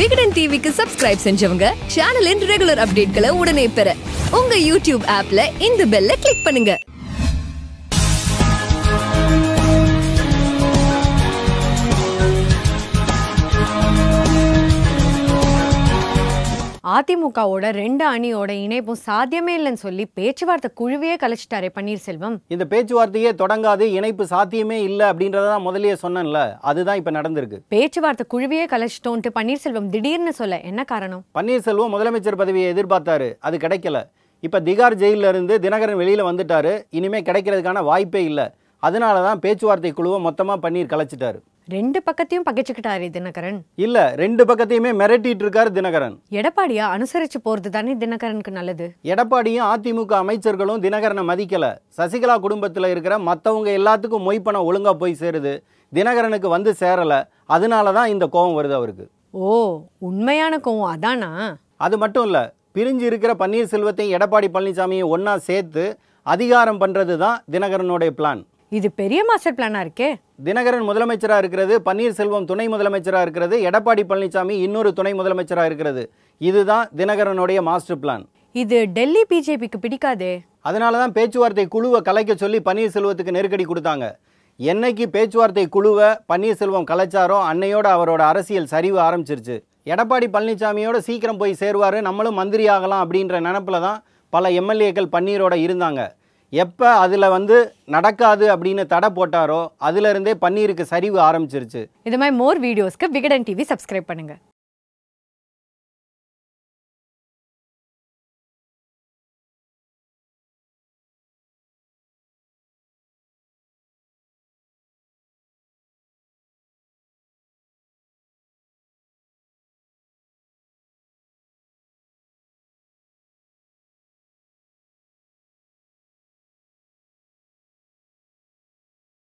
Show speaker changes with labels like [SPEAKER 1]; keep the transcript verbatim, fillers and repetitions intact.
[SPEAKER 1] விகடன் டிவிக்கு சப்ஸ்கிரைப் செஞ்சவங்க சேனலின் ரெகுலர் அப்டேட்களை உடனே பெற உங்க யூடியூப் ஆப்ல இந்த பெல்ல கிளிக் பண்ணுங்க.
[SPEAKER 2] அதிமுகவோட ரெண்டு அணியோட இணைப்பும் சாத்தியமே இல்லைன்னு சொல்லி பேச்சுவார்த்தை குழுவையே கலைச்சிட்டாரே பன்னீர்செல்வம்.
[SPEAKER 3] இந்த பேச்சுவார்த்தையே தொடங்காது, இணைப்பு சாத்தியமே இல்லை அப்படின்றதான் முதலியே சொன்னேன்ல, அதுதான் இப்ப நடந்திருக்கு.
[SPEAKER 2] பேச்சுவார்த்தை குழுவையே கலைச்சிட்டோன்ட்டு பன்னீர்செல்வம் திடீர்னு சொல்ல என்ன காரணம்?
[SPEAKER 3] பன்னீர்செல்வம் முதலமைச்சர் பதவியை எதிர்பார்த்தாரு, அது கிடைக்கல. இப்ப திகார் ஜெயில இருந்து தினகரன் வெளியில வந்துட்டாரு, இனிமே கிடைக்கிறதுக்கான வாய்ப்பே இல்லை. அதனாலதான் பேச்சுவார்த்தை குழுவை மொத்தமா பன்னீர் கலைச்சிட்டாரு.
[SPEAKER 2] ரெண்டு பக்கத்தையும் பகைச்சுக்கிட்டாரு தினகரன்.
[SPEAKER 3] இல்ல, ரெண்டு பக்கத்தையுமே மிரட்டிட்டு இருக்காரு தினகரன்.
[SPEAKER 2] எடப்பாடியா அனுசரிச்சு போறது தானே தினகரனுக்கு நல்லது.
[SPEAKER 3] எடப்பாடியும் அதிமுக அமைச்சர்களும் தினகரனை மதிக்கல. சசிகலா குடும்பத்துல இருக்கிற மத்தவங்க எல்லாத்துக்கும் மொய் பணம் ஒழுங்கா போய் சேருது, தினகரனுக்கு வந்து சேரல. அதனாலதான் இந்த கோபம் வருது அவருக்கு.
[SPEAKER 2] ஓ, உண்மையான கோவம் அதானா?
[SPEAKER 3] அது மட்டும் இல்ல, பிரிஞ்சு இருக்கிற பன்னீர்செல்வத்தையும் எடப்பாடி பழனிசாமியை ஒன்னா சேர்த்து அதிகாரம் பண்றது தான் தினகரனுடைய பிளான்.
[SPEAKER 2] இது பெரிய மாஸ்டர் பிளானா இருக்கே.
[SPEAKER 3] தினகரன் முதலமைச்சரா இருக்கிறது, பன்னீர்செல்வம் துணை முதலமைச்சரா இருக்கிறது, எடப்பாடி பழனிசாமி இன்னொரு துணை முதலமைச்சரா இருக்கிறது. இதுதான் தினகரனுடைய மாஸ்டர் பிளான்.
[SPEAKER 2] இது டெல்லி பிஜேபிக்கு பிடிக்காதே.
[SPEAKER 3] அதனாலதான் பேச்சுவார்த்தை குழுவை கலைக்க சொல்லி பன்னீர்செல்வத்துக்கு நெருக்கடி கொடுத்தாங்க. என்னைக்கு பேச்சுவார்த்தை குழுவை பன்னீர்செல்வம் கலைச்சாரோ அன்னையோட அவரோட அரசியல் சரிவு ஆரம்பிச்சிருச்சு. எடப்பாடி பழனிசாமியோட சீக்கிரம் போய் சேருவாரு, நம்மளும் மந்திரி ஆகலாம் அப்படின்ற நினைப்புல தான் பல எம்எல்ஏக்கள் பன்னீரோட இருந்தாங்க. எப்போ அதில் வந்து நடக்காது அப்படின்னு தடை போட்டாரோ அதுலேருந்தே பன்னீருக்கு சரிவு ஆரம்பிச்சிருச்சு.
[SPEAKER 2] இது மாதிரி மோர் வீடியோஸ்க்கு விகடன் டிவி சப்ஸ்கிரைப் பண்ணுங்க.